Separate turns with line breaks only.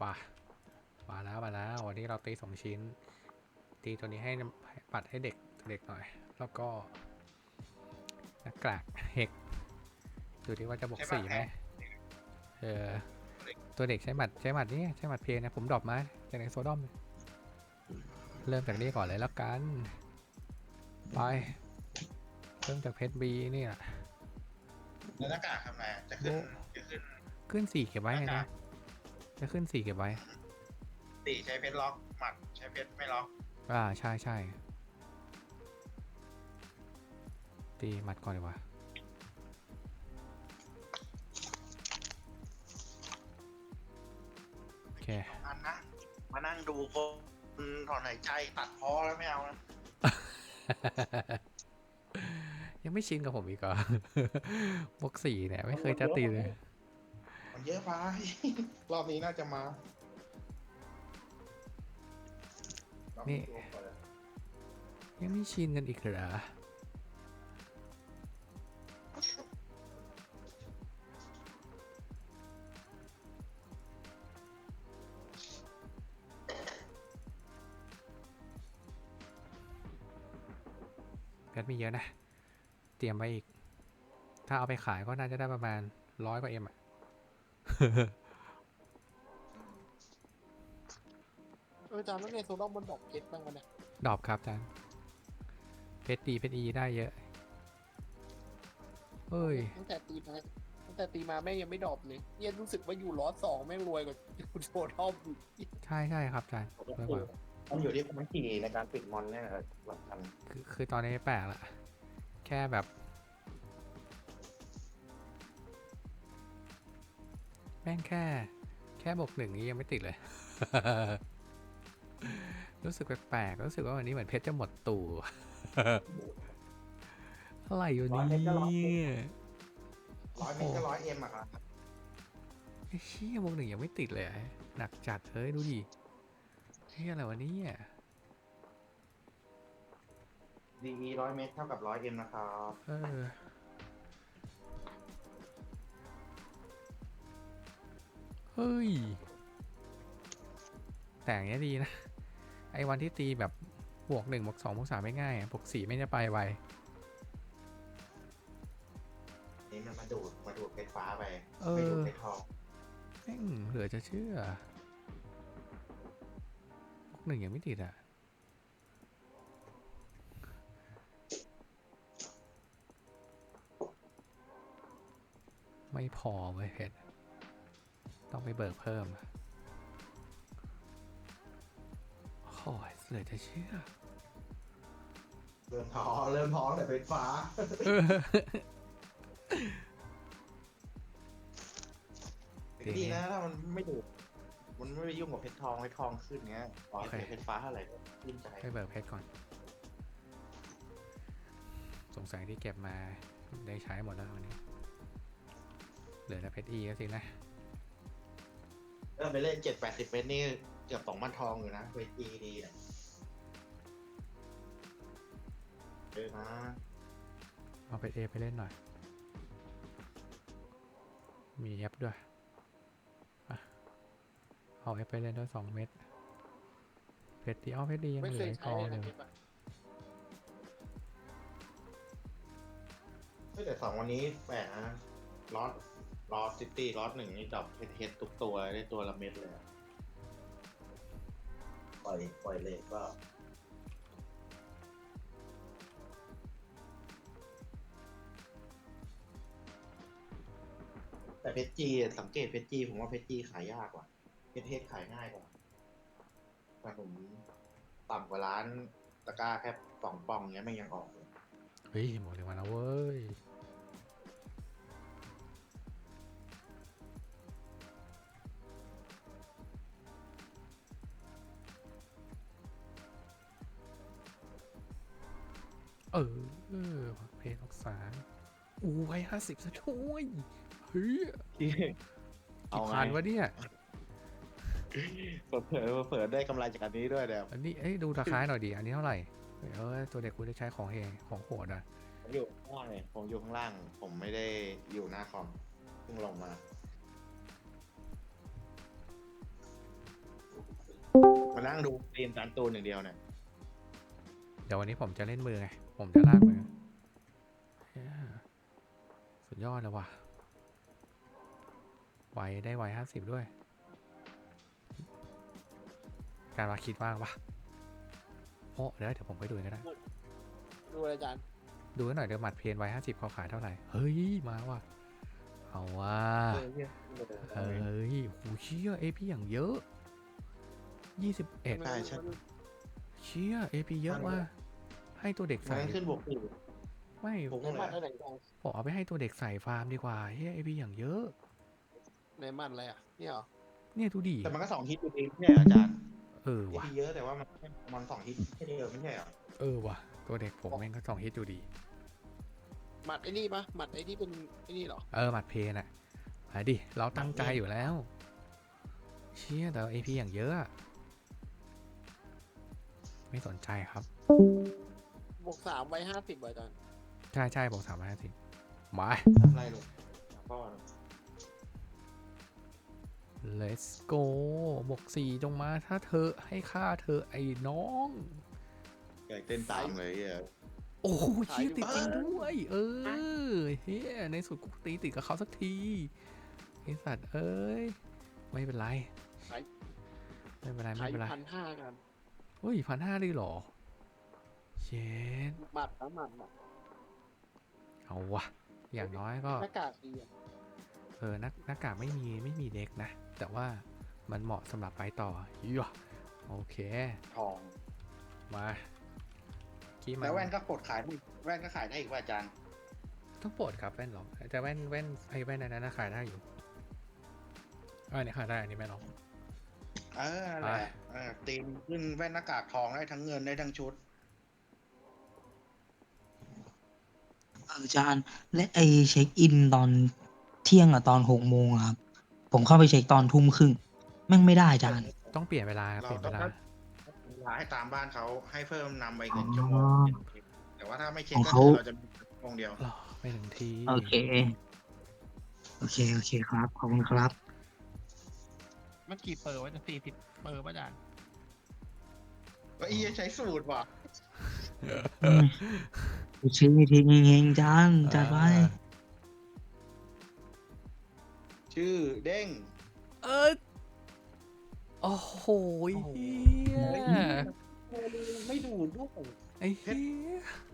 ป่ะมาแล้ววันนี้เราตี2 ชิ้นตีตัวนี้ให้ปัดให้เด็กหน่อยแล้วก็หน้ากากเฮกดูดิว่าจะบวก
ใช่ป่ะ
4ไหม
แพ้
เออตัวเด็กใช้หมัดนี่ใช้หมัดเพลนะผมดรอปมาจากในโซดอมเริ่มจากนี้ก่อนเลยแล้วกันไปเริ่มจากเพชรบีนี่แหละ
แล้วหน้ากากทำไงจะขึ้น
ขึ้น4เก็บไว้
หน้า
ไงนะ
กาก
จะขึ้น4เก็บไว้
ตีใช้เพชรล็อกหมัดใช้เพชรไม่ล็อก
ใช่ตีหมัดก่อนดีกว่าโอเค
อันนะมานั่งดูคนถอนหายใจตัดพ้อแล้วไม่เอานะ
ยังไม่ชินกับผมอีกเหรอ บวก4เนี่ยไม่เคยจะตีเลย
มันเยอะไป รอบนี้น่าจะมา
นี่ยังไม่ชินกันอีกเหรอเพชรมีเยอะนะเตรียมไว้อีกถ้าเอาไปขายก็น่าจะได้ประมาณ100 กว่าเอ็มอะ
จานแล้วในโซลาร์มันดอกเพชรบ้างกันเนี่ย
ดรอปครับอาจารย์เพชรดีเพชรอีได้เยอะเฮ้ย
ตั้งแต่ตีมาแม่งยังไม่ดรอปเลยเนี่ยรู้สึกว่าอยู่ล้อสองแม่งรวยกว่าอยู่โซลาร์อีก
ใช่ครับอาจารย์เพิ่มมา
มันอยู่ที่ความถี่ในการปิดมอนเนี่ยสำคัญ
คือตอนนี้แปลกละแค่แบบแม่งแค่บวก1นี้ยังไม่ติดเลย รู้สึกแปลกๆรู้สึกว่าวันนี้เหมือนเพชรจะหมดตู่ อะไรอยู่นี่
100เมตรก็100 เอ็มอะครับ
ไอ้เชี่ยบวก1ยังไม่ติดเลยหนักจัดเฮ้ยดูดิเฮียอะไรวะเนี่ย
ดี100 เมตรเท่ากับ100 เอ็มนะครับ
เฮ้ยแต่อย่างเงี้ยดีนะไอ้วันที่ตีแบบบวก1บวก2บวก3ไม่ง่ายบวก4ไม่จะไปไว
นี่มันมาดูดเพชรฟ้าไปไม่ดูดเพชรทอง
แม่งเหลือจะเชื่อบวก1ยังไม่ติดอ่ะไม่พอเว้ยเพชรต้องไปเบิกเพิ่มโอ้ยเหลือจะเชื่อ
เริ่มท้อแต่เพชรฟ้าดีนะถ้ามันไม่ดูดมันไม่ไปยุ่งกับเพชรทองขึ้นเงี้ยขอให้เพชรฟ้าเท่าไหร่ยิ่งใจ
ไปเบิกเพชรก่อนสงสัยที่เก็บมาได้ใช้หมดแล้ววันนี้เหลือแต่เพชรอีก็สินะ
ไปเล่น70-80 เมตรนี่เกือบ2,000 ทองอยู่นะเพชรดีอ่ะนะ
เอาเพชรเอไปเล่นหน่อยมีแอปด้วยเอาแอปไปเล่นด้วย2 เม็ดเพชรดีเอาเพชรดียัง
ไม่
เหลื
เค
อย อีก
ใช้
กอง
เลย
ห
นะ
นึ่ง
เพชรอะ
แต่2 วันนี้แปลกนะลอสซิตี้ลอส1นี่ดรอปเฮดทุกตัวได้ตัวละเม็ดเลยปล่อยเลยก็แต่เพชรจีสังเกตเพชรจีผมว่าเพชรจีขายยากกว่าเพชรเฮดขายง่ายกว่าแต่ผมต่ำกว่าร้านตะกร้าแค่2 ปองเงี้ยมันยังออกเลย
เฮ้ยหมดเลยมาแล้วเว้ยเพชร2ไว้50ซะช่วยเฮ้ยกี่พันวะเนี่ย
เผลอได้กำไรจากอันนี้ด้วยเดี๋ยว
อันนี้ดูราคาหน่อยดิอันนี้เท่าไหร่ตัวเด็กคุณได้ใช้ของของโหดอ่ะ
ผมอยู่ข้างล่างเลยผมอยู่ข้างล่าง ผมไม่ได้อยู่หน้าคอมเพิ่งลงมามานั่งดูเรียนการตูนอย่างเดียวเนี่ย
เดี๋ยววันนี้ผมจะเล่นมือไง ผมจะลากมือเหี้ยสุดยอดเลยว่ะ ไวได้ไว50ด้วย การมาคิดว่างปะโอ้เดี๋ยวผมไปดูก็ได้
ดูเลยอาจารย์
ดูหน่อยเดี๋ยวหมัดเพนไว้50เขาขายเท่าไหร่ เฮ้ย มาว่ะ เอาว่ะ เฮ้ยโหเชี่ยเอพีอย่างเยอะ21
ใช่ใช่
เชี่ยเอพีเยอะว่ะให้ตัวเด็ก
มั
ใส่
นขึ้นบวกสี่
ไม่
ผม
ในมันอะไรอาจารย์
ผมเอาไปให้ตัวเด็กใส่ฟาร์มดีกว่าเฮ้ยเอพีอย่างเยอะ
ในมันอะไรอ่ะเนี่ยเหรอ
เนี่ยดูดิ
แต่มันก็2 ฮิตอยู่ดีเนี่ยอาจารย์
เออ
เอ
ว่ะ
พีเยอะแต่ว่ามัน2 ฮิตแค่เดียวไม่ใช่เหรอ
เออว่ะตัวเด็กผมแม่งก็2 ฮิตอยู่ดี
หมัดไอ้นี่ปะหมัดไอ้ที่เป็นไอ้นี่เหรอ
เออหมัดเพนอ่ะไปดิเราตั้งใจอยู่แล้ว เชี่ยแต่เอพีอย่างเยอะอะไม่สนใจครับ
บวก3ไว้50อาจารย์
ใช่บอก350มา
ทำไรลูกพ่อ
let's go บวก4จงมาถ้าเธอให้ค่าเธอไอ้น้อง
อยากเต้นตามเลยอ่ะ
โอ้โหเชี่ยติดจริงด้วย เออเฮ้ยในสุดกูตีติดกับเขาสักทีไอสัตว์เอ้ยไม่เป็นไรไม่เป็นไร
ขาย
ไม่เป็นไร
1,500กัน
เฮ้ย1,500เลยเหรอเชน
หมัดนะหมัดหมัด
เอาวะอย่างน้อยก็
หน้ากากดีอ่ะ
หน้ากากไม่มีเด็กนะ แต่ว่ามันเหมาะสำหรับไปต่อยั่วโอเค
ทอง
มากี้มัน
แล้วแว่นก็ปลดขายได้แว่นก็ขายได้อีกว่าอาจารย์
ต้องปลดครับแว่นหรอแต่แว่นไอ้แว่นอันนั้นนะขายได้อยู่อันนี้ขายได้อันนี้ไม่หรอก
นั่นแหละตีมขึ้นแว่นหน้ากากทองได้ทั้งเงินได้ทั้งชุด
อาจารย์และไอเช็คอินตอนเที่ยงอะตอน6 โมงอะครับ ผมเข้าไปเช็คตอนทุ่มครึ่งแม่งไม่ได้อาจารย์
ต้องเปลี่ยนเวลาครับเปลี่ยนเวลา
เวลาให้ตามบ้านเขาให้เพิ่มนำไป1 ชั่วโมงแต่ว่าถ้าไม่เช็ค
ของ
ก็
เขา
คือเราจะมีชั่วโมงเดียว
รอไปถึงที
โอเค โอเคครับ ขอบคุณครับ
มันกี่เปอร์วะจะ40เปอร์ป่ะอาจารย์
ก็อีใช้สูตรว่ะ
ชื่อทีเฮงๆจานจัดไว้
ชื่อเด้ง
เออโอ้โหเฮีย
ไม่ดูด้วย
ไอ้เฮีย